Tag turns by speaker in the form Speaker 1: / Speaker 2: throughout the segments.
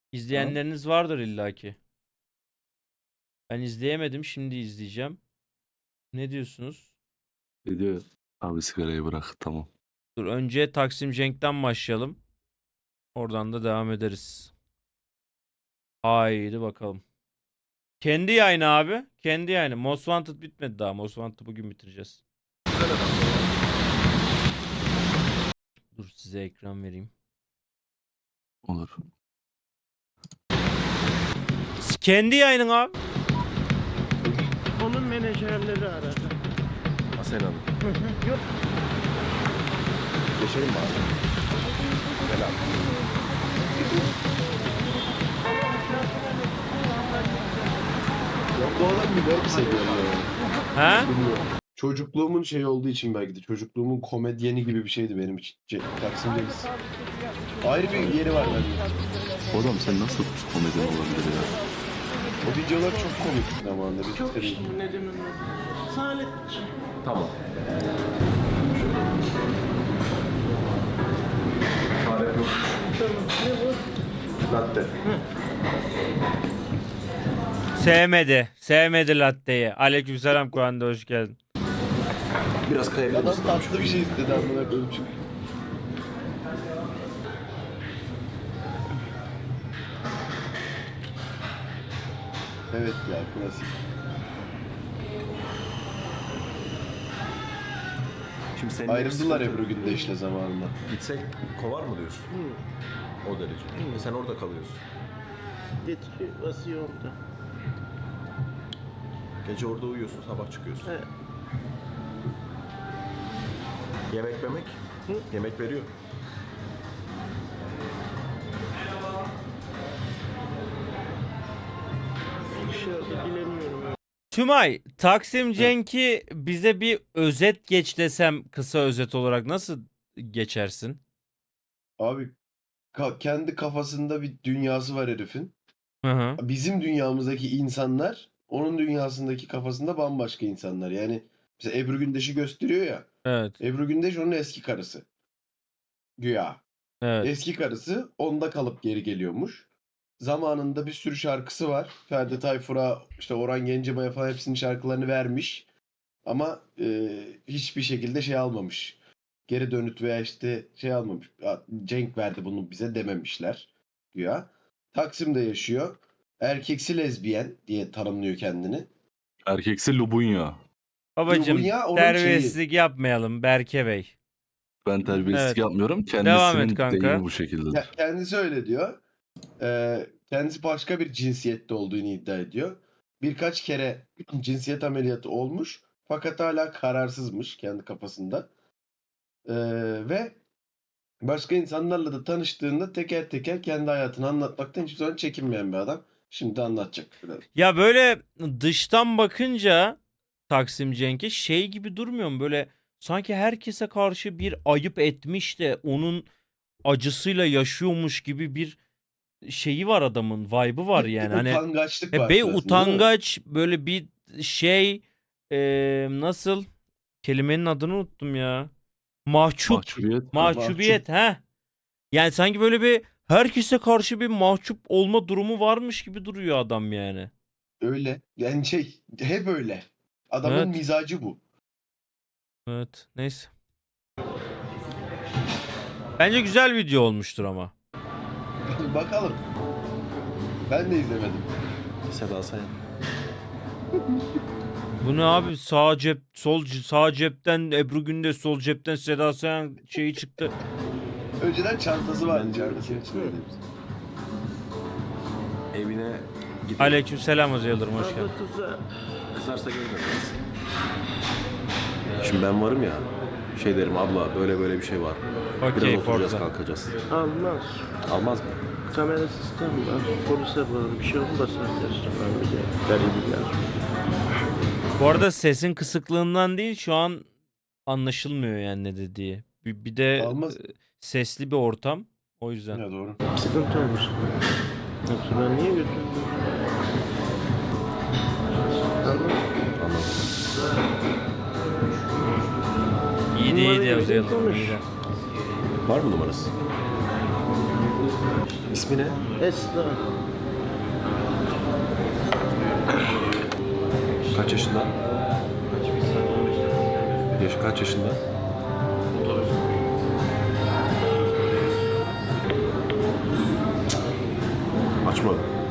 Speaker 1: İzleyenleriniz vardır illaki. Ben izleyemedim, şimdi izleyeceğim. Ne diyorsunuz?
Speaker 2: Ne diyor? Abi sigarayı bırak, tamam.
Speaker 1: Dur, önce Taksim Cenk'ten başlayalım. Oradan da devam ederiz. Haydi bakalım. Kendi yayını abi. Kendi yayını. Most Wanted bitmedi daha. Most Wanted'ı bugün bitireceğiz. Dur, size ekran vereyim.
Speaker 2: Olur.
Speaker 1: Kendi yayının abi.
Speaker 3: Onun menajerleri aradı.
Speaker 4: Asena Hanım.
Speaker 3: Yok.
Speaker 4: Geçelim mi abi? Gel abi.
Speaker 5: Ya bu adam bir garip seviyorum ya.
Speaker 1: He?
Speaker 5: Bilmiyorum. Çocukluğumun şeyi olduğu için belki de. Çocukluğumun komedyeni gibi bir şeydi benim için. Taksim Deniz. Ayrı bir yeri var bende.
Speaker 2: Oğlum sen nasıl komedyen olabilir ya?
Speaker 5: O videolar çok komik zamanında. Biz
Speaker 3: Çok
Speaker 5: tabii-
Speaker 3: işte ne demem Salih.
Speaker 4: Tamam. Fare yok.
Speaker 3: Tamam. Ne bu?
Speaker 4: Latte.
Speaker 1: Sevmedi. Sevmedi latteyi. Aleykümselam Kuan'da hoş geldin.
Speaker 4: Biraz kayabilir
Speaker 5: Adam
Speaker 4: misin?
Speaker 5: tatlı bir şey istedi amına koyayım çünkü. Evet ya, klasik.
Speaker 4: Şimdi senin
Speaker 5: Ayrıldılar
Speaker 4: hepsi-
Speaker 5: Ebru Gündeş'le zamanında.
Speaker 4: Gitsek kovar mı diyorsun? O derece. Sen orada kalıyorsun.
Speaker 3: Getiriyor, basıyor orada.
Speaker 4: Gece orada uyuyorsun, sabah çıkıyorsun.
Speaker 3: Evet.
Speaker 4: Yemek memek? Yemek veriyor.
Speaker 3: İnşallah bilemiyorum.
Speaker 1: Tümay, Taksim Cenk'i bize bir özet geç desem, kısa özet olarak nasıl geçersin?
Speaker 5: Abi kendi kafasında bir dünyası var herifin.
Speaker 1: Hı hı.
Speaker 5: Bizim dünyamızdaki insanlar onun dünyasındaki kafasında bambaşka insanlar. Yani mesela Ebru Gündeş'i gösteriyor ya.
Speaker 1: Evet.
Speaker 5: Ebru Gündeş onun eski karısı. Güya.
Speaker 1: Evet.
Speaker 5: Eski karısı onda kalıp geri geliyormuş. Zamanında bir sürü şarkısı var. Ferdi Tayfur'a, işte Orhan Gencebay'a falan hepsinin şarkılarını vermiş. Ama hiçbir şekilde şey almamış. Geri dönüt veya işte şey almamış. "Ya, Cenk verdi bunu bize" dememişler. Güya. Taksim'de yaşıyor. Erkeksi lezbiyen diye tanımlıyor kendini.
Speaker 2: Erkeksi Lubunya.
Speaker 1: Babacım,
Speaker 5: Lubunya onun
Speaker 1: terbiyesizlik yapmayalım Berke Bey.
Speaker 2: Ben terbiyesizlik
Speaker 1: Evet.
Speaker 2: yapmıyorum.
Speaker 1: Devam et
Speaker 2: Kendisinin
Speaker 1: kanka.
Speaker 2: deyimi bu şekildedir.
Speaker 5: Kendisi öyle diyor. Kendisi başka bir cinsiyette olduğunu iddia ediyor. Birkaç kere cinsiyet ameliyatı olmuş. Fakat hala kararsızmış kendi kafasında. Ve başka insanlarla da tanıştığında teker teker kendi hayatını anlatmaktan hiçbir zaman çekinmeyen bir adam. Şimdi anlatacak.
Speaker 1: Ya böyle dıştan bakınca Taksim Cenk'e şey gibi durmuyor mu? Böyle sanki herkese karşı bir ayıp etmiş de onun acısıyla yaşıyormuş gibi bir şeyi var adamın. Vibe'ı var yani. Hani
Speaker 5: Utangaçlık var
Speaker 1: be
Speaker 5: sırasında, değil mi?
Speaker 1: utangaç böyle bir şey, nasıl, kelimenin adını unuttum ya. Mahcup.
Speaker 2: Mahcubiyet.
Speaker 1: Mahcubiyet ha. Yani sanki böyle bir herkese karşı bir mahcup olma durumu varmış gibi duruyor adam yani.
Speaker 5: Öyle. Yani şey hep öyle. Adamın
Speaker 1: Evet.
Speaker 5: mizacı bu.
Speaker 1: Evet. Neyse. Bence güzel video olmuştur ama.
Speaker 5: Bakalım. Ben de izlemedim.
Speaker 4: Seda Sayan.
Speaker 1: Bu ne abi? Sağ cep, sağ cepten Ebru Gündeş, sol cepten Seda Sayan şeyi çıktı.
Speaker 5: Önceden çantası vardı.
Speaker 4: Ben diyorum
Speaker 5: Çantasının
Speaker 4: ki-
Speaker 5: içinde.
Speaker 4: Evine gidiyor.
Speaker 1: Aleykümselam Hoca Yıldırım, hoş geldin.
Speaker 3: Abla kıza
Speaker 4: Kızarsa geri döneriz. Şimdi ben varım ya. Şey derim, abla böyle böyle bir şey var.
Speaker 1: Okey,
Speaker 4: Biraz oturacağız,
Speaker 1: Forza.
Speaker 4: kalkacağız.
Speaker 3: almaz.
Speaker 4: Almaz mı?
Speaker 3: Kamera sistemi var. Polise bağlı bir şey olmasa dersin. Ben bir de garibim.
Speaker 1: Bu arada sesin kısıklığından değil, şu an anlaşılmıyor yani ne dediği. Bir de
Speaker 5: Almaz.
Speaker 1: sesli bir ortam. O yüzden.
Speaker 5: Ya doğru.
Speaker 3: Sıkıntı olmuş. Yoksa ben niye götürdüm? Anladın mı?
Speaker 4: Anladım.
Speaker 1: İyi
Speaker 3: Numara
Speaker 1: değil
Speaker 3: gibi
Speaker 1: Hoca Yıldırım.
Speaker 3: konuş.
Speaker 1: iyi de.
Speaker 4: Var mı numarası? İsmi ne?
Speaker 3: Esra.
Speaker 4: Kaç yaşında? Yaşı kaç yaşında? Açma.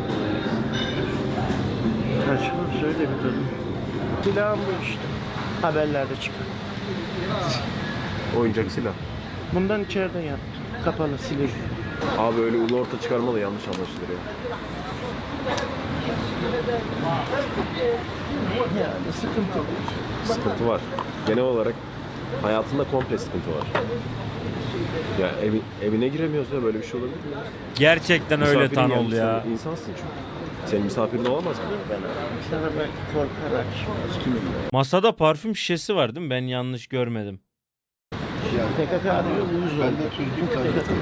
Speaker 3: Kaçma söyle bir kadın. Silahım bu işte. Haberlerde çıkan.
Speaker 4: Oyuncak silah.
Speaker 3: Bundan içeride yaptım. Kapalı silik.
Speaker 4: Abi öyle ulu orta çıkarma da yanlış anlaşılır ya.
Speaker 3: Yani sıkıntı yok.
Speaker 4: Sıkıntı var. Genel olarak hayatında komple sıkıntı var. Ya evine giremiyoruz ya, böyle bir şey olabilir mi?
Speaker 1: Gerçekten öyle
Speaker 4: Misafirin
Speaker 1: Tanol
Speaker 4: gelmiş,
Speaker 1: ya.
Speaker 4: sen insansın çünkü. Senin misafirin olamaz mı?
Speaker 3: Ben sana belki korkarak kimim?
Speaker 1: Masada parfüm şişesi var değil mi? Ben yanlış görmedim.
Speaker 3: PKK arıyor, uyuz
Speaker 5: Ben
Speaker 3: oldu.
Speaker 5: de çözdüm zaten.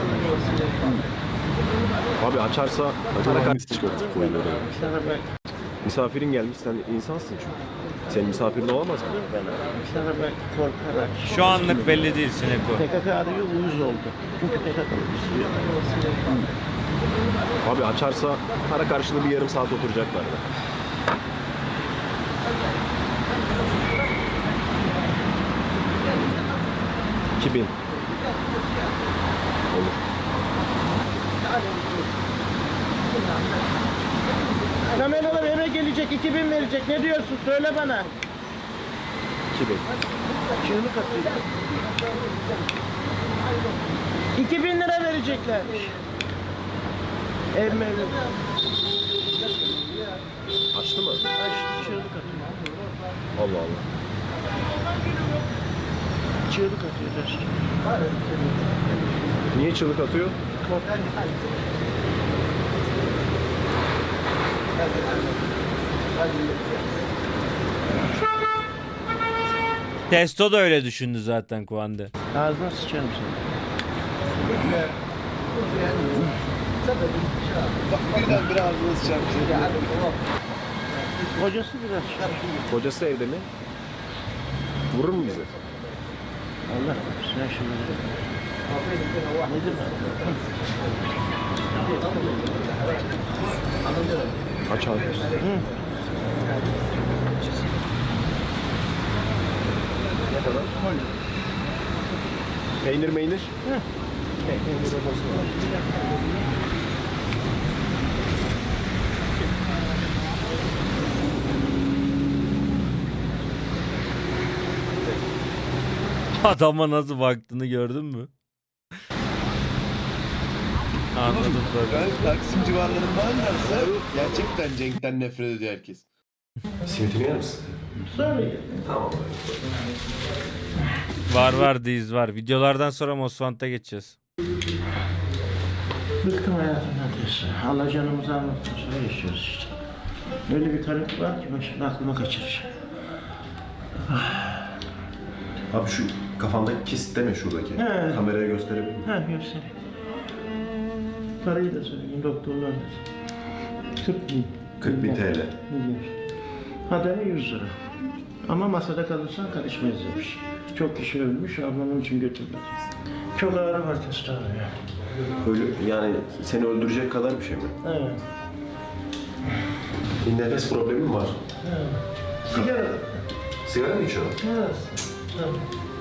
Speaker 4: Abi açarsa
Speaker 2: Hangisi çıkartıp koyuyor ya?
Speaker 3: Sana belki
Speaker 4: misafirin gelmiş, sen insansın çünkü. Senin misafirin olamaz mı?
Speaker 3: sana belki korkarak.
Speaker 1: Şu anlık belli değil Sineko.
Speaker 3: PKK arıyor, uyuz oldu. Çünkü PKK istiyor.
Speaker 4: Abi açarsa para karşılığı bir yarım saat oturacaklar da. $2000. Olur.
Speaker 3: Kameralar eve gelecek, 2000 verecek. Ne diyorsun? Söyle bana.
Speaker 4: 2000.
Speaker 3: Çığlık atıyor. 2000 lira vereceklermiş. Ev mevlüt.
Speaker 4: Açtı mı?
Speaker 3: Açtı, çığlık atıyor.
Speaker 4: Allah Allah.
Speaker 3: Çığlık atıyor dostum.
Speaker 4: Niye çığlık atıyor?
Speaker 1: Testo da öyle düşündü zaten Kuande.
Speaker 3: Ağzına sıçarım seni.
Speaker 5: Bak birden bir ağzına sıçarmış.
Speaker 3: Kocası biraz şarkı.
Speaker 4: Kocası evde mi? Vurur mu bizi?
Speaker 3: Allah sen şimdi. Nedir
Speaker 4: Aç abi. Ne kadar? Peynir meynir?
Speaker 1: Adama nasıl baktığını gördün mü? Anladım tabii.
Speaker 5: Ben Taksim civarlarında varsa gerçekten Cenk'ten nefret ediyor herkes.
Speaker 4: Simitini yer misin? Tamam.
Speaker 1: Var diz var. Videolardan sonra Mosfant'a geçeceğiz.
Speaker 3: Bıktım hayatımdan diyorsun. Allah canımızı almaktan sonra yaşıyoruz işte. Öyle bir karı var ki ben şimdi aklıma kaçıracağım.
Speaker 4: Abi şu kafandaki kist deme şuradaki.
Speaker 3: He.
Speaker 4: Kameraya gösterebilir miyim?
Speaker 3: Ha göstereyim. Parayı da söyleyeyim doktorlar da.
Speaker 4: 40.000 TL.
Speaker 3: Hademe 100 lira. Ama masada kalırsan karışmayız demiş. Çok kişi ölmüş, ablamın için götürdü. Çok ağrı var testosteron ya.
Speaker 4: Öyle yani seni öldürecek kadar bir şey mi?
Speaker 3: Evet.
Speaker 4: Bir nefes problemin var.
Speaker 3: Sigara.
Speaker 4: Sigara mı içiyorsun?
Speaker 3: Evet. Tamam.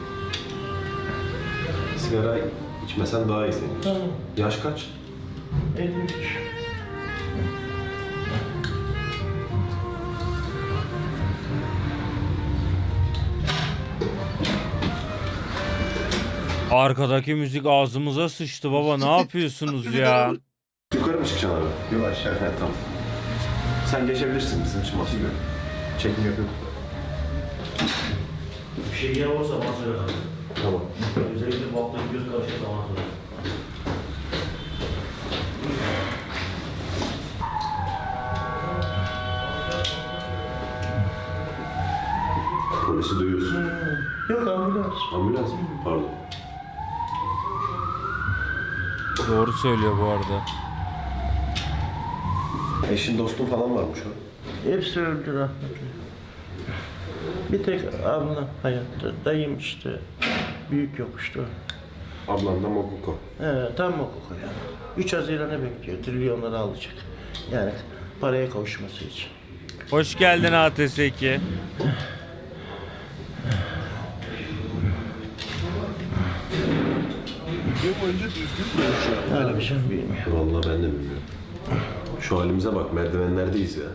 Speaker 4: Sigara içmesen daha iyi senin için.
Speaker 3: Tamam.
Speaker 4: Yaş kaç?
Speaker 3: 53.
Speaker 1: Arkadaki müzik ağzımıza sıçtı baba. Ne yapıyorsunuz ya?
Speaker 4: Yukarı mı çıkacaksın abi? Yok aşağı. Evet, tamam. Sen geçebilirsin, bizim için basıyor. Çekim yapıyorum.
Speaker 6: Bir şey yer olursa bana söyle kanka.
Speaker 4: Tamam.
Speaker 6: Özellikle bu hafta göz karışırsa bana söyle.
Speaker 4: Polisi duyuyorsun.
Speaker 3: Yok ambulans.
Speaker 4: Ambulans mı? Pardon.
Speaker 1: Doğru söylüyor bu arada.
Speaker 4: Eşin dostun falan varmış o.
Speaker 3: Hepsi öldü rahmetli. Bir tek ablam hayatta. Dayım işte. Büyük yokuştu.
Speaker 4: Ablan da Mokuko.
Speaker 3: Evet, tam hukuk yani. 3 Haziran'ı bekliyor. Trilyonları alacak. Yani paraya kavuşması için.
Speaker 1: Hoş geldin ATS2.
Speaker 3: Abiciğim bilmiyorum.
Speaker 4: Vallahi ben de bilmiyorum. Şu halimize bak, merdivenlerdeyiz ya.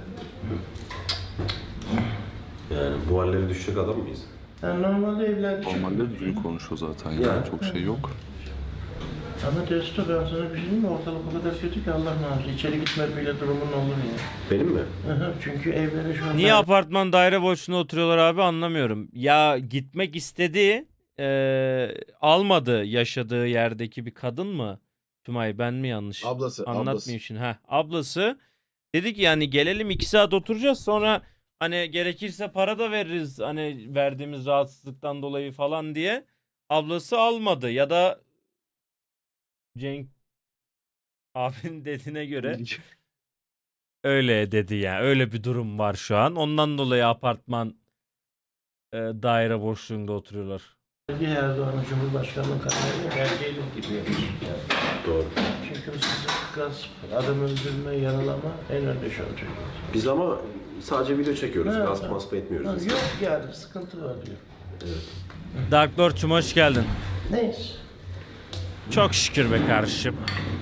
Speaker 4: Yani bu hallere düşecek adam mıyız?
Speaker 3: Yani normalde evlendik.
Speaker 2: Normalde düzgün konuşuyor zaten ya.
Speaker 4: Ya.
Speaker 2: Çok şey yok.
Speaker 3: Ama Testo ben sana bir şey diyeyim mi? Ortalık o kadar kötü ki Allah muhafaza. İçeri gitme bile durumun olur ya.
Speaker 4: Benim mi?
Speaker 3: Çünkü evlere şu an...
Speaker 1: Niye apartman daire boşluğunda oturuyorlar abi anlamıyorum. Ya gitmek istedi, almadı yaşadığı yerdeki bir kadın mı? Tümay ben mi yanlış?
Speaker 5: Ablası.
Speaker 1: Anlatmayayım şimdi. Ablası dedi ki yani gelelim 2 saat oturacağız sonra hani gerekirse para da veririz hani verdiğimiz rahatsızlıktan dolayı falan diye. Ablası almadı ya da Cenk abinin dediğine göre öyle dedi yani. Öyle bir durum var şu an. Ondan dolayı apartman daire boşluğunda oturuyorlar.
Speaker 3: Bir Erdoğan'ın Cumhurbaşkanlığı kararıyla belgeyle gidiyor.
Speaker 4: Doğru.
Speaker 3: Çünkü hırsızlık, gasp, adam öldürme, yaralama en önde şu an Türkiye'de.
Speaker 4: Biz ama sadece video çekiyoruz.
Speaker 3: Ha,
Speaker 4: Gasp
Speaker 3: ha.
Speaker 4: masp etmiyoruz.
Speaker 3: Yok yani sıkıntı var diyor.
Speaker 1: Dark Lord'cum hoş geldin.
Speaker 3: Neyse.
Speaker 1: Çok şükür be kardeşim.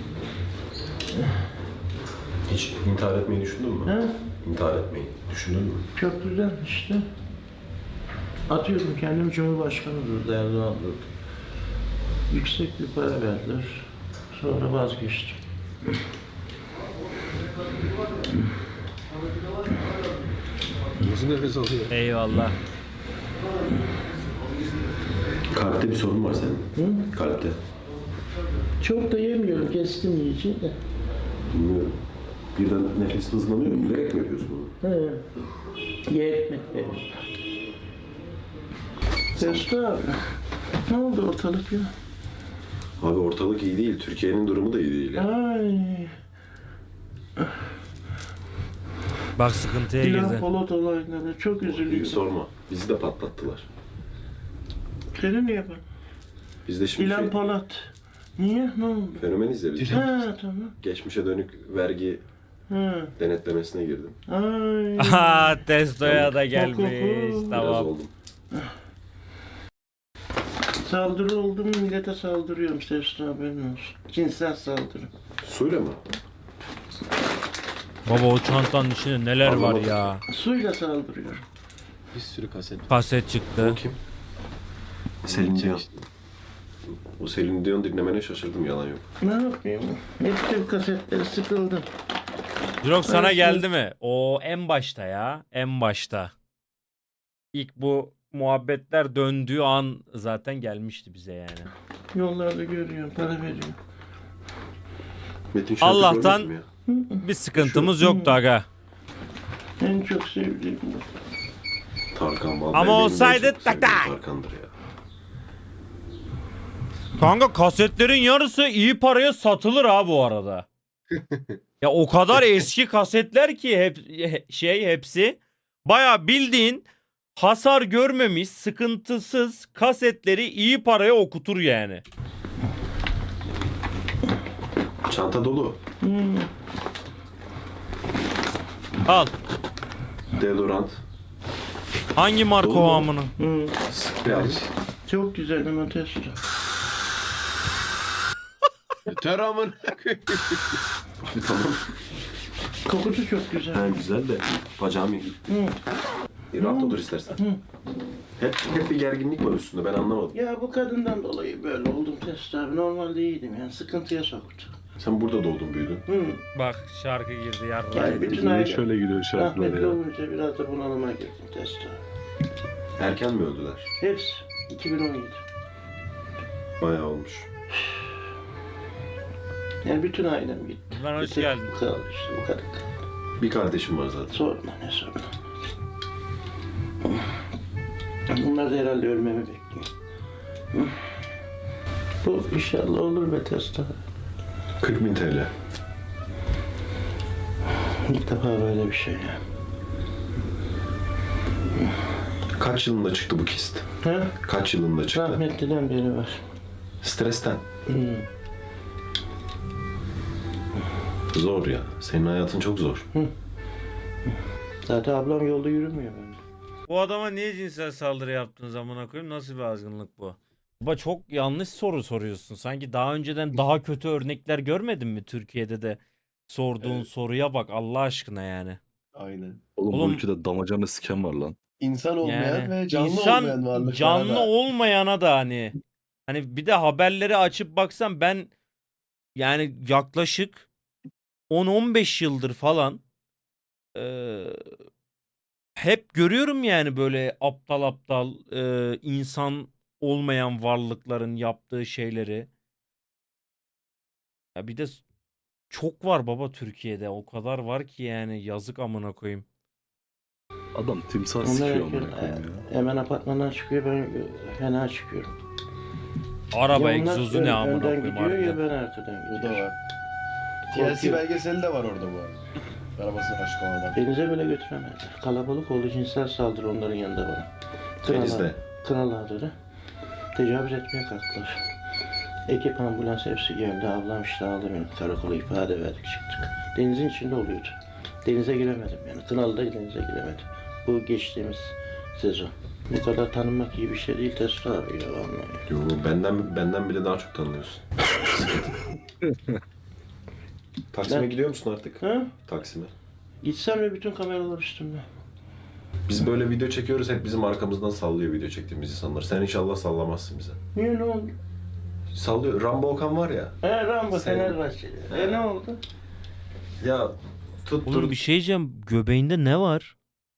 Speaker 4: Hiç intihar etmeyi düşündün mü?
Speaker 3: Ha?
Speaker 4: İntihar etmeyi düşündün mü?
Speaker 3: Çok güzel işte. Atıyorum kendimi Cumhurbaşkanı durdu, Erdoğan durdu. Yüksek bir para verdiler. Sonra vazgeçtim.
Speaker 2: Nasıl nefes alıyor?
Speaker 1: Eyvallah.
Speaker 4: Kalpte bir sorun var senin. Kalpte.
Speaker 3: Çok da yemiyorum, kestim yiyeceği de.
Speaker 4: Bilmiyorum. Birden nefesin hızlanıyor mu? Bilerek mi yapıyorsun bunu?
Speaker 3: He. Ye ekmek benim. Testo abi. Ne oldu ortalık ya?
Speaker 4: Abi ortalık iyi değil. Türkiye'nin durumu da iyi değil. Ya.
Speaker 3: Ay.
Speaker 1: Bak sıkıntıya
Speaker 3: İlhan
Speaker 1: girdi.
Speaker 3: Polat olayları çok
Speaker 4: Hiç
Speaker 3: üzülüyorum.
Speaker 4: sorma. Bizi de patlattılar.
Speaker 3: Seni niye bak?
Speaker 4: Biz de şimdi
Speaker 3: İlhan Polat. Niye? Ne oldu?
Speaker 4: fenomeniz ya biz.
Speaker 3: Ha tamam.
Speaker 4: Geçmişe dönük vergi
Speaker 3: Ha.
Speaker 4: denetlemesine girdim.
Speaker 3: Ay.
Speaker 1: Aha testoya da
Speaker 3: Biraz
Speaker 1: gelmiş.
Speaker 4: Biraz
Speaker 1: Tamam.
Speaker 4: oldum.
Speaker 3: Saldırı oldu mu millete saldırıyorum Testo haberin olsun. Cinsel saldırı.
Speaker 4: Suyla mı?
Speaker 1: Baba o çantanın içinde neler var
Speaker 4: Anlamadım.
Speaker 1: ya.
Speaker 3: Suyla saldırıyorum.
Speaker 2: Bir sürü kaset.
Speaker 1: Kaset çıktı.
Speaker 4: O kim? Selin Dion. O Selin Dion dinlemene şaşırdım, yalan yok.
Speaker 3: Ne yapayım? Hepsi kasetleri sıkıldım.
Speaker 1: Jirok sana
Speaker 3: Evet,
Speaker 1: geldi mi? O en başta ya. En başta. İlk bu muhabbetler döndüğü an zaten gelmişti bize yani.
Speaker 3: Yollarda görüyorum, para veriyor.
Speaker 4: Metin Şent'i
Speaker 1: Allah'tan-
Speaker 4: görmedin mi ya?
Speaker 1: Bir sıkıntımız yoktu aga.
Speaker 3: En çok sevdiğim bu.
Speaker 4: Tarkan vallahi
Speaker 1: Ama
Speaker 4: benim en
Speaker 1: olsaydı
Speaker 4: çok
Speaker 1: tak
Speaker 4: sevdiğim
Speaker 1: tak.
Speaker 4: Tarkan'dır ya.
Speaker 1: Kanka kasetlerin yarısı iyi paraya satılır ha bu arada. Ya o kadar eski kasetler ki hepsi baya bildiğin hasar görmemiş sıkıntısız kasetleri iyi paraya okutur yani.
Speaker 4: Çanta dolu.
Speaker 1: Al.
Speaker 4: Deodorant.
Speaker 1: Hangi marka
Speaker 4: Dolu
Speaker 1: o
Speaker 4: mu?
Speaker 1: amına?
Speaker 4: Sprey.
Speaker 3: Çok güzel ama Testo.
Speaker 5: Yeter amın.
Speaker 4: Tamam.
Speaker 3: Kokusu çok güzel.
Speaker 4: Ha, güzel de bacağım iyi. Rahat otur istersen. Hep bir gerginlik var üstünde, ben anlamadım.
Speaker 3: Ya bu kadından dolayı böyle oldum Testo abi. Normalde iyiydim yani sıkıntıya soktu.
Speaker 4: Sen burada doğdun büyüdün.
Speaker 1: Bak şarkı girdi yarra.
Speaker 3: Yani bütün
Speaker 2: Niye
Speaker 3: aile
Speaker 2: şöyle gidiyor şarkılar
Speaker 3: rahmetli
Speaker 2: ya?
Speaker 3: olunca biraz da bunalıma girdim Testo.
Speaker 4: Erken mi öldüler?
Speaker 3: Hepsi 2017.
Speaker 4: Bayağı olmuş.
Speaker 3: Yani bütün ailem gitti.
Speaker 1: Ben hoş
Speaker 3: Bir tek
Speaker 1: geldin.
Speaker 3: bu kaldı işte bu kadar.
Speaker 4: Bir kardeşim var zaten.
Speaker 3: Sorma ne sorma. Bunlar da herhalde ölmemi bekliyor. Bu inşallah olur be Testo.
Speaker 4: 40.000 TL.
Speaker 3: İlk defa böyle bir şey ya.
Speaker 4: Kaç yılında çıktı bu kist?
Speaker 3: Ha?
Speaker 4: Kaç yılında çıktı?
Speaker 3: Rahmetliden beri var.
Speaker 4: Stresten.
Speaker 3: Hmm.
Speaker 4: Zor ya. Senin hayatın çok zor.
Speaker 3: Zaten ablam yolda yürümüyor bence.
Speaker 1: Bu adama niye cinsel saldırı yaptığın zamana koyayım? Nasıl bir azgınlık bu? Baba çok yanlış soru soruyorsun. Sanki daha önceden daha kötü örnekler görmedin mi Türkiye'de de? Sorduğun
Speaker 5: Evet.
Speaker 1: soruya bak Allah aşkına yani.
Speaker 5: Aynen.
Speaker 2: Oğlum,
Speaker 1: Oğlum-
Speaker 2: bu ülkede damacana siken var lan.
Speaker 5: İnsan olmayan
Speaker 1: Yani
Speaker 5: ve canlı
Speaker 1: insan
Speaker 5: olmayan varlıklara
Speaker 1: canlı
Speaker 5: da
Speaker 1: olmayana da hani bir de haberleri açıp baksam ben yani yaklaşık 10-15 yıldır falan hep görüyorum yani böyle aptal aptal insan olmayan varlıkların yaptığı şeyleri. Ya bir de çok var baba Türkiye'de. O kadar var ki yani yazık amına koyayım.
Speaker 2: Adam timsah
Speaker 3: Onlar
Speaker 2: sikiyor
Speaker 3: erken,
Speaker 2: amına koyayım ya.
Speaker 3: hemen apartmandan çıkıyor, ben fena çıkıyorum.
Speaker 1: Araba
Speaker 3: Ya onlar
Speaker 1: egzozu ne amına
Speaker 3: önden
Speaker 1: koyayım
Speaker 3: gidiyor ya
Speaker 1: harbiden.
Speaker 3: ben arkadan
Speaker 5: o da
Speaker 3: gidiyorum.
Speaker 5: var. TLC
Speaker 3: Korkuyorum.
Speaker 5: belgeseli de var orada bu arada. Arabasına aşık olan adam.
Speaker 3: Denize bile götüremediler. Kalabalık oldu, cinsel saldırı onların yanında bana.
Speaker 4: Denizde.
Speaker 3: Kınal Ağları tecavüz etmeye kalktılar. Ekip ambulans hepsi geldi. Ablam işte aldı beni. Karakola ifade verdik çıktık. Denizin içinde oluyordu. Denize giremedim yani. Kınalı'da denize giremedim. Bu geçtiğimiz sezon. Bu kadar tanınmak iyi bir şey değil Testo abi ya vallahi.
Speaker 4: Yo, benden bile daha çok tanıyorsun. Taksim'e
Speaker 3: Ben-
Speaker 4: gidiyor musun artık?
Speaker 3: Ha?
Speaker 4: Taksim'e.
Speaker 3: Gitsem de bütün kameralar üstümde.
Speaker 4: Biz böyle video çekiyoruz, hep bizim arkamızdan sallıyor video çektiğimiz insanlar. Sen inşallah sallamazsın bize.
Speaker 3: Niye, ne oldu?
Speaker 4: Sallıyor. Rambo Okan var ya.
Speaker 3: Rambo
Speaker 4: Sen-
Speaker 3: Fenerbahçeli. Ne oldu?
Speaker 4: Ya tuttur.
Speaker 1: Oğlum bir şey diyeceğim. Göbeğinde ne var?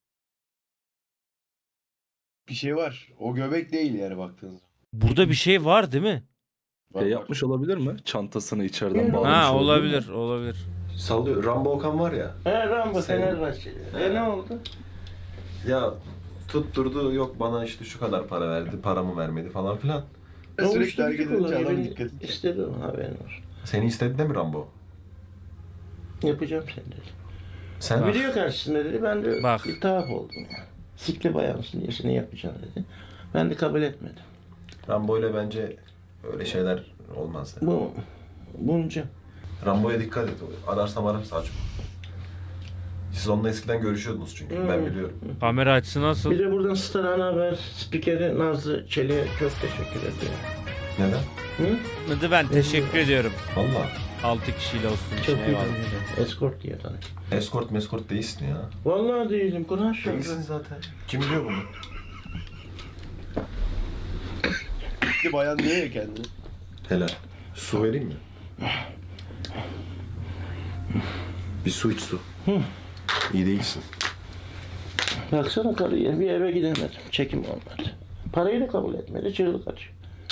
Speaker 5: Bir şey var. O göbek değil yani baktığınız zaman.
Speaker 1: Burada bir şey var değil mi?
Speaker 5: Var, var.
Speaker 2: Yapmış olabilir mi? Çantasını içeriden
Speaker 3: Ha,
Speaker 2: bağlamış
Speaker 1: Ha
Speaker 2: olabilir mi?
Speaker 1: olabilir olabilir.
Speaker 4: Sallıyor. Rambo Okan var ya.
Speaker 3: Rambo
Speaker 4: Sen-
Speaker 3: Fenerbahçeli. Ne oldu?
Speaker 4: Ya tutturdu, yok bana işte şu kadar para verdi, paramı vermedi falan filan.
Speaker 5: Sürekli hareket edince
Speaker 3: kullanıyor,
Speaker 5: adam
Speaker 3: beni
Speaker 5: dikkat ediyor.
Speaker 3: istedi o, haberin var.
Speaker 4: Seni istedi de mi Rambo?
Speaker 3: Yapacağım seni dedi.
Speaker 4: Sen
Speaker 1: Bak.
Speaker 3: Video karşısında dedi, ben de
Speaker 1: Bak.
Speaker 3: bir tuhaf oldum ya. Sikli bayağı mısın diye seni yapacağım dedi. Ben de kabul etmedim.
Speaker 4: Rambo ile bence öyle şeyler olmaz. Yani.
Speaker 3: Bunca.
Speaker 4: Rambo'ya dikkat et. Ararsam açma. Siz onunla eskiden görüşüyordunuz çünkü. Ben biliyorum.
Speaker 1: Kamera açısı nasıl?
Speaker 3: Bir de buradan Star Ana Haber spikeri Nazlı Çelik'e çok teşekkür ediyorum.
Speaker 4: Neden?
Speaker 3: Hı?
Speaker 1: Hadi ben teşekkür ediyorum.
Speaker 4: Valla.
Speaker 1: 6 kişiyle olsun
Speaker 3: Çok
Speaker 1: için
Speaker 3: iyi
Speaker 1: eyvallah.
Speaker 3: tanıyorum. Escort diye tanıyorum.
Speaker 4: Escort değilsin ya.
Speaker 3: Vallahi değilim. Kur'an şöyle.
Speaker 4: Değilsin zaten. Kim biliyor bunu?
Speaker 5: Bir bayan diyor ya kendini.
Speaker 4: Helal. Su vereyim mi? Bir su iç su. İyi değilsin.
Speaker 3: Baksana karıya, bir eve gidemedim. Çekim olmadı. Parayı da kabul etmedi. Çığlık atıyor.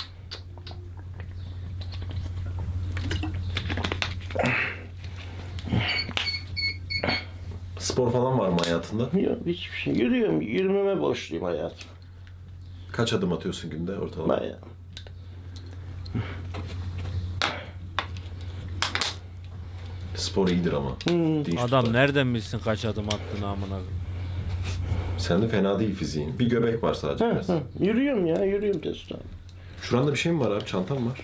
Speaker 4: Spor falan var mı hayatında?
Speaker 3: Yok hiçbir şey. Yürüyorum. Yürümeme borçluyum hayatım.
Speaker 4: Kaç adım atıyorsun günde ortalama?
Speaker 3: Bayağı.
Speaker 4: Spor iyidir ama. Dinç
Speaker 1: Adam
Speaker 4: tutar.
Speaker 1: nereden bilsin kaç adım attığını amına koyayım.
Speaker 4: Sen de fena değil fiziğin. Bir göbek var sadece biraz.
Speaker 3: Yürüyorum ya. Yürüyorum Testo.
Speaker 4: Şuranda bir şey mi var abi? Çantam var.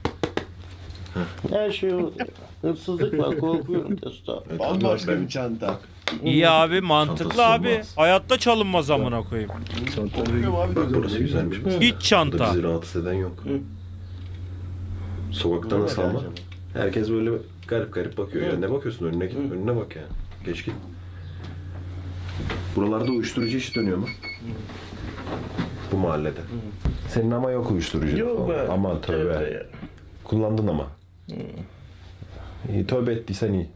Speaker 3: Her şey orada. Hırsızlık var. Korkuyorum Testo.
Speaker 4: Evet,
Speaker 5: Bambaşka
Speaker 4: ben-
Speaker 5: bir çanta.
Speaker 1: İyi abi mantıklı
Speaker 4: Çantası
Speaker 1: abi.
Speaker 4: olmaz.
Speaker 1: Hayatta çalınmaz amına koyayım.
Speaker 5: Korkuyorum abi.
Speaker 4: Bak burası güzelmiş. mesela.
Speaker 1: Hiç
Speaker 4: Burada
Speaker 1: çanta.
Speaker 4: bizi rahatsız eden yok. Sokakta
Speaker 5: Bu
Speaker 4: nasıl
Speaker 5: ne
Speaker 4: ama?
Speaker 5: acaba?
Speaker 4: Herkes böyle garip garip bakıyor. Ya ne bakıyorsun önüne git. Önüne bak ya. Geç git. Buralarda uyuşturucu iş dönüyor mu? Bu mahallede. Senin ama yok uyuşturucu.
Speaker 3: Yok
Speaker 4: falan.
Speaker 3: be.
Speaker 4: Aman tövbe.
Speaker 3: Ya.
Speaker 4: Kullandın ama. İyi, tövbe ettiysen iyi.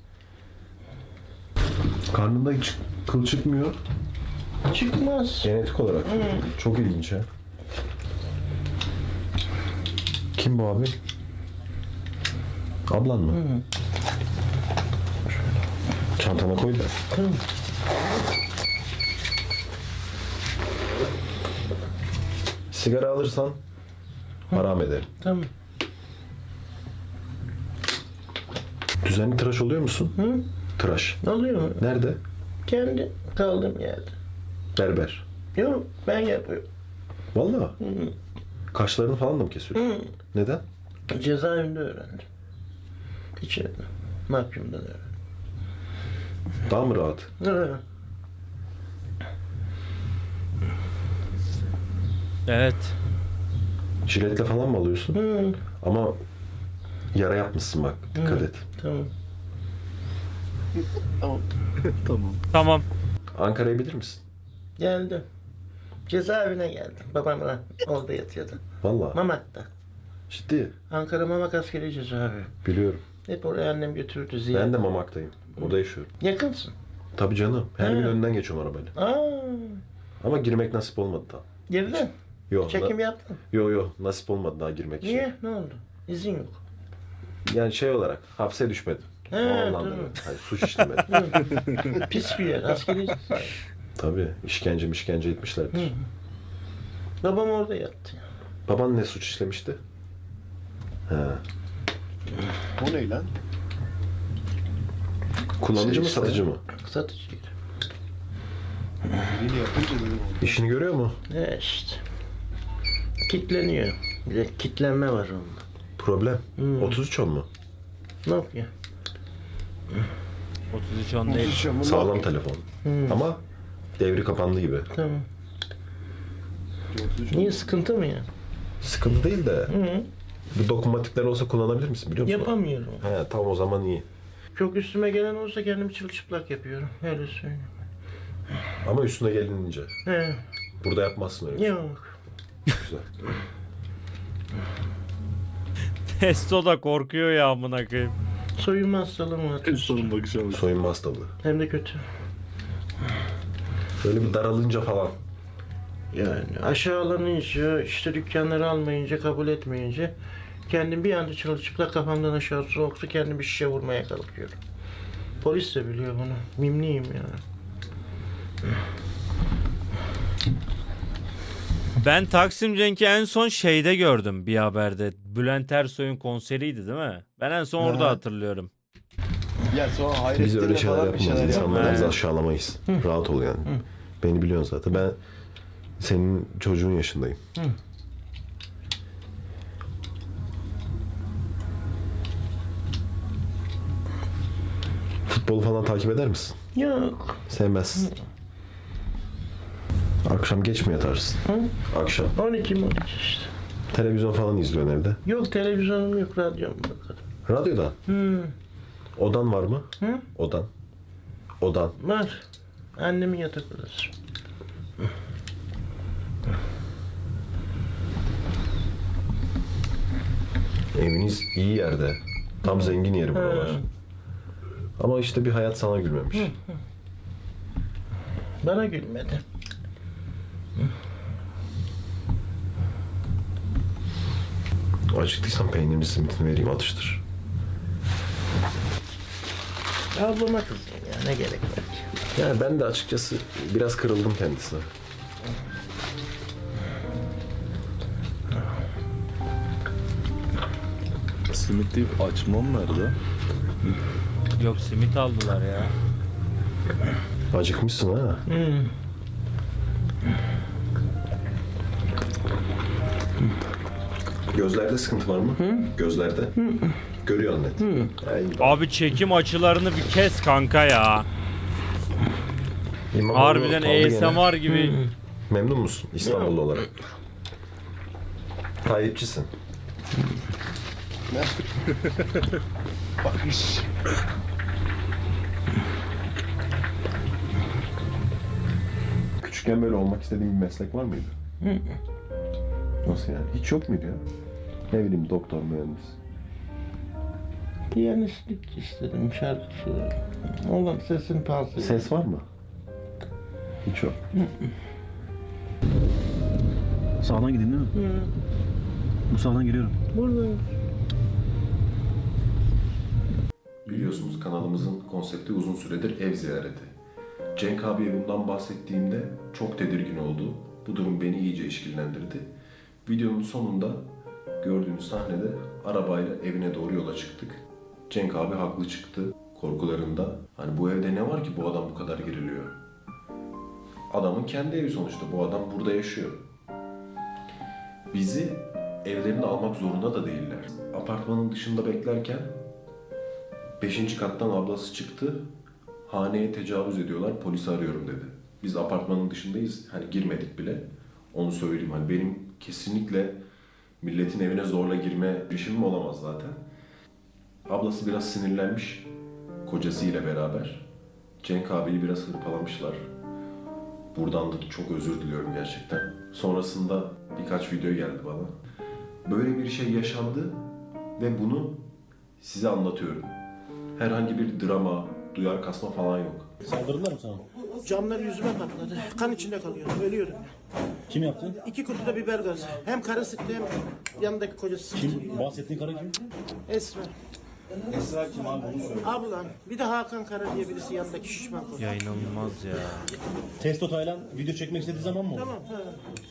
Speaker 4: Karnında hiç kıl çıkmıyor.
Speaker 3: Çıkmaz.
Speaker 4: Genetik olarak. Çok ilginç ha. Kim bu abi? Ablan mı? Çantana koy da. Sigara alırsan haram ederim.
Speaker 3: Tamam.
Speaker 4: Düzenli tıraş oluyor musun?
Speaker 3: Hı?
Speaker 4: Tıraş.
Speaker 3: Oluyor mu?
Speaker 4: Nerede?
Speaker 3: Kendi kaldığım yerde.
Speaker 4: Berber.
Speaker 3: Yok ben yapıyorum.
Speaker 4: Vallahi. Kaşlarını falan da mı kesiyorsun? Neden?
Speaker 3: Cezaevinde öğrendim. İçeride. Mahkumdan öğrendim.
Speaker 4: Daha mı rahat?
Speaker 3: Evet.
Speaker 1: Evet.
Speaker 4: Jiletle falan mı alıyorsun?
Speaker 3: Hı,
Speaker 4: Ama yara yapmışsın bak. Dikkat et.
Speaker 3: tamam.
Speaker 1: Tamam.
Speaker 4: Ankara'ya bilir misin?
Speaker 3: Geldim. Cezaevine geldim. Babamla orada yatıyordu.
Speaker 4: Vallahi.
Speaker 3: Mamak'ta.
Speaker 4: Ciddi.
Speaker 3: Ankara Mamak askeri cezaevi.
Speaker 4: Biliyorum.
Speaker 3: Hep oraya annem götürürdü ziyaret.
Speaker 4: Ben de Mamak'tayım. Orada yaşıyorum.
Speaker 3: Yakınsın.
Speaker 4: Tabii canım. Her
Speaker 3: He.
Speaker 4: gün önünden geçiyorum arabayla.
Speaker 3: Aa,
Speaker 4: Ama girmek nasip olmadı daha.
Speaker 3: girdin.
Speaker 4: Yok.
Speaker 3: Çekim yaptın.
Speaker 4: Yok nasip olmadı daha girmek için.
Speaker 3: Niye? Ne oldu? İzin yok.
Speaker 4: Yani şey olarak hapse düşmedim.
Speaker 3: He,
Speaker 4: O anlamda.
Speaker 3: tamam.
Speaker 4: Hayır, suç işlemedim.
Speaker 3: Pis bir yer. Askeri cezaevi.
Speaker 4: Tabii işkence etmişlerdir.
Speaker 3: Babam orada yattı.
Speaker 4: Baban ne suç işlemişti? He.
Speaker 5: O ne lan?
Speaker 4: Kullanıcı
Speaker 5: Şey
Speaker 4: mı
Speaker 5: işte.
Speaker 4: satıcı mı?
Speaker 3: Satıcıydı.
Speaker 5: Biriyle yapınca dedim oldu.
Speaker 4: İşini görüyor mu?
Speaker 3: Ne işte. Kitleniyor. Bir de kitlenme var onda.
Speaker 4: Problem.
Speaker 3: Hmm.
Speaker 4: 33 on mu?
Speaker 3: Ne yapıyor?
Speaker 1: 33 10 değil.
Speaker 4: Sağlam telefon. Ama devri kapandı gibi.
Speaker 3: Tamam. Niye sıkıntı mı ya?
Speaker 4: Sıkıntı değil de
Speaker 3: Hı.
Speaker 4: bu dokunmatikler olsa kullanabilir misin biliyor musun?
Speaker 3: Yapamıyorum.
Speaker 4: He tam o zaman iyi.
Speaker 3: Çok üstüme gelen olsa kendimi çırılçıplak yapıyorum. Öyle söyleyeyim.
Speaker 4: Ama üstüne gelinince.
Speaker 3: He.
Speaker 4: Burada yapmazsın öyle. bir şey.
Speaker 3: Yok.
Speaker 4: Güzel.
Speaker 1: Testo da korkuyor ya amına koyayım.
Speaker 3: Soyunma hastalığım var.
Speaker 2: Sorun bakış abi.
Speaker 4: Soyunma hastalığı.
Speaker 3: Hem de kötü.
Speaker 4: Böyle bir daralınca falan.
Speaker 3: Yani aşağılanınca, işte dükkanları almayınca, kabul etmeyince kendim bir anda çırılçıplak kafamdan aşağı soğuk su kendim bir şişe vurmaya kalkıyorum. Polis de biliyor bunu. Mimliyim yani.
Speaker 1: Ben Taksim Cenk'i en son şeyde gördüm bir haberde. Bülent Ersoy'un konseriydi değil mi? Ben en son orada
Speaker 5: Ha.
Speaker 1: hatırlıyorum.
Speaker 5: Ya sonra Hayrettin'le
Speaker 4: Biz öyle şeyler
Speaker 5: falan bir
Speaker 4: yapmayız.
Speaker 5: şeyler
Speaker 4: İnsanları biz
Speaker 1: Evet.
Speaker 4: aşağılamayız. Rahat ol yani. Beni biliyorsun zaten. Ben senin çocuğun yaşındayım. Futbolu falan takip eder misin?
Speaker 3: Yok.
Speaker 4: Sevmezsin. Akşam geç mi yatarsın? Akşam.
Speaker 3: 12 işte.
Speaker 4: Televizyon falan izliyorsun evde.
Speaker 3: Yok televizyonum yok, radyom bakarım.
Speaker 4: Radyodan. Odan var mı?
Speaker 3: Hı?
Speaker 4: Odan. Odan.
Speaker 3: Var. Annemin yatak odası.
Speaker 4: Eviniz iyi yerde. Tam zengin yeri buralar. Ama işte bir hayat sana gülmemiş.
Speaker 3: Bana gülmedi.
Speaker 4: Acıktıysan peynirli simitini vereyim atıştır.
Speaker 3: Ablama kızdım ya, ne gerek var ki?
Speaker 4: Yani ben de açıkçası biraz kırıldım kendisine.
Speaker 2: Simit deyip açmam nerede?
Speaker 1: Yok simit aldılar ya.
Speaker 4: Acıkmışsın ha. Gözlerde sıkıntı var mı? Gözlerde. Görüyorsun net. Yani
Speaker 1: Abi çekim açılarını bir kes kanka ya.
Speaker 4: İmamoğlu
Speaker 1: Harbiden
Speaker 4: kaldı gene.
Speaker 1: ASMR gibi.
Speaker 4: Memnun musun İstanbullu olarak? Tayyipçisin.
Speaker 5: Bakış.
Speaker 4: Küçükken böyle olmak istediğin bir meslek var mıydı? Nasıl yani? Hiç yok muydu ya? Ne bileyim doktor, mühendis.
Speaker 3: Piyanistlik istedim, şarkıcı. Oğlum sesin fazla.
Speaker 4: Ses var mı? Hiç yok.
Speaker 6: Sağdan gidin değil mi? Bu sağdan giriyorum.
Speaker 3: Buradayım.
Speaker 4: Biliyorsunuz kanalımızın konsepti uzun süredir ev ziyareti. Cenk abiye bundan bahsettiğimde çok tedirgin oldu. Bu durum beni iyice işkillendirdi. Videonun sonunda gördüğünüz sahnede arabayla evine doğru yola çıktık. Cenk abi haklı çıktı korkularında. Hani bu evde ne var ki bu adam bu kadar geriliyor? Adamın kendi evi sonuçta. Bu adam burada yaşıyor. Bizi evlerini almak zorunda da değiller. Apartmanın dışında beklerken 5. kattan ablası çıktı. Haneye tecavüz ediyorlar, polisi arıyorum dedi. Biz apartmanın dışındayız, hani girmedik bile. Onu söyleyeyim, hani benim kesinlikle milletin evine zorla girme girişimim olamaz zaten. Ablası biraz sinirlenmiş kocasıyla beraber. Cenk abiyi biraz hırpalamışlar. Buradan da çok özür diliyorum gerçekten. Sonrasında birkaç video geldi bana. Böyle bir şey yaşandı ve bunu size anlatıyorum. Herhangi bir drama, duyar kasma falan yok.
Speaker 6: Saldırdılar mı sana?
Speaker 3: Camlar yüzüme patladı. Kan içinde kalıyorum. Ölüyorum.
Speaker 6: Kim yaptı?
Speaker 3: 2 kutu da biber gazı. Hem karı sıktı hem yanındaki kocası sıktı.
Speaker 6: Kim? Bahsettiğin karı kim?
Speaker 3: Esra.
Speaker 6: Esra kim abi bunu söyle.
Speaker 3: Ablam. Bir de Hakan Kara diye birisi yanındaki şişman koca.
Speaker 1: Ya inanılmaz ya.
Speaker 6: Testo Taylan video çekmek istediği zaman mı oldu?
Speaker 3: Tamam. Ha.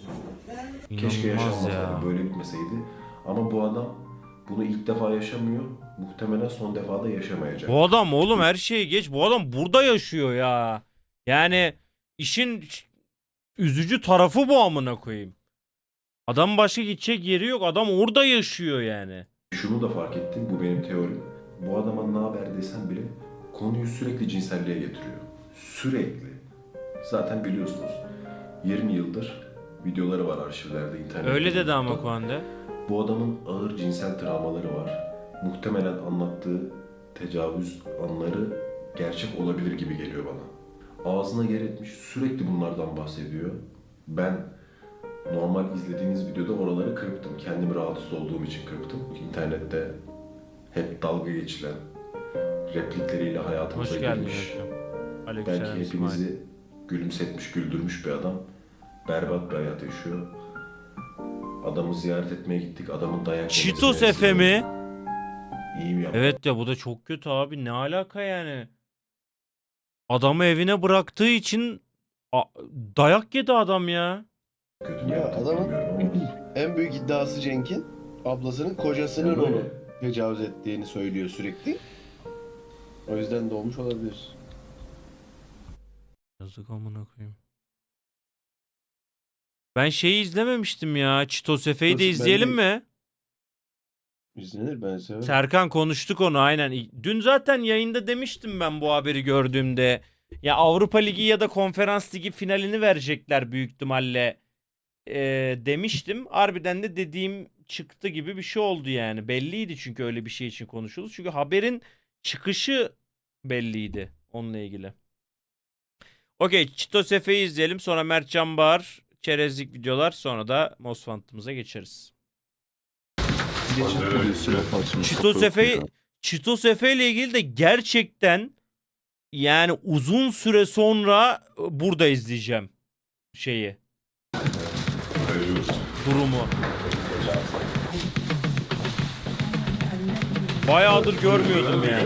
Speaker 4: Keşke
Speaker 1: İnanılmaz
Speaker 4: yaşanmasaydı,
Speaker 1: ya.
Speaker 4: böyle bitmeseydi. Ama bu adam bunu ilk defa yaşamıyor. Muhtemelen son defa da yaşamayacak.
Speaker 1: Bu adam oğlum her şeyi geç. Bu adam burada yaşıyor ya. Yani işin üzücü tarafı bu amına koyayım. Adam başka gidecek yeri yok. Adam orada yaşıyor yani.
Speaker 4: Şunu da fark ettim, bu benim teorim. Bu adama ne haber desem bile konuyu sürekli cinselliğe getiriyor. Sürekli. Zaten biliyorsunuz 20 yıldır videoları var arşivlerde, internette.
Speaker 1: Öyle dedi ama Kuande.
Speaker 4: Bu adamın ağır cinsel travmaları var. Muhtemelen anlattığı tecavüz anları gerçek olabilir gibi geliyor bana. Ağzına yer etmiş, sürekli bunlardan bahsediyor. Ben normal izlediğiniz videoda oraları kırptım. Kendimi rahatsız olduğum için kırptım. İnternette hep dalga geçilen replikleriyle hayatımıza
Speaker 1: Hoş geldin
Speaker 4: girmiş.
Speaker 1: hocam.
Speaker 4: Belki
Speaker 1: Aleykümselam İsmail.
Speaker 4: hepinizi gülümsetmiş, güldürmüş bir adam. Berbat bir hayat yaşıyor. Adamı ziyaret etmeye gittik. Adamın dayak
Speaker 1: Cheetos
Speaker 4: yemesine
Speaker 1: Efe mi?
Speaker 4: İyi mi yaptı?
Speaker 1: Evet ya bu da çok kötü abi. Ne alaka yani? Adamı evine bıraktığı için dayak yedi adam ya.
Speaker 4: Kötü mü
Speaker 5: Ya
Speaker 4: yaptı
Speaker 5: adamın-
Speaker 4: bilmiyorum ama.
Speaker 5: En büyük iddiası Cenk'in ablasının kocasının
Speaker 4: Böyle.
Speaker 5: onu tecavüz ettiğini söylüyor sürekli. O yüzden de olmuş olabilir.
Speaker 1: Yazık amına koyayım. Ben şeyi izlememiştim ya. Cheetos Efe'yi de
Speaker 5: Ben de-
Speaker 1: izleyelim mi?
Speaker 5: İzlenir, ben severim.
Speaker 1: Serkan konuştuk onu aynen. Dün zaten yayında demiştim ben bu haberi gördüğümde. Ya Avrupa Ligi ya da Konferans Ligi finalini verecekler büyük ihtimalle demiştim. Harbiden de dediğim çıktı gibi bir şey oldu yani. Belliydi çünkü öyle bir şey için konuşuldu. Çünkü haberin çıkışı belliydi onunla ilgili. Okey, Cheetos Efe'yi izleyelim. Sonra Mert Can Bağır, çerezlik videolar. Sonra da Mosfant'ımıza geçeriz. Cheetos Efe ile ilgili de gerçekten yani uzun süre sonra burada izleyeceğim şeyi. Durumu. Bayağıdır görmüyordum yani.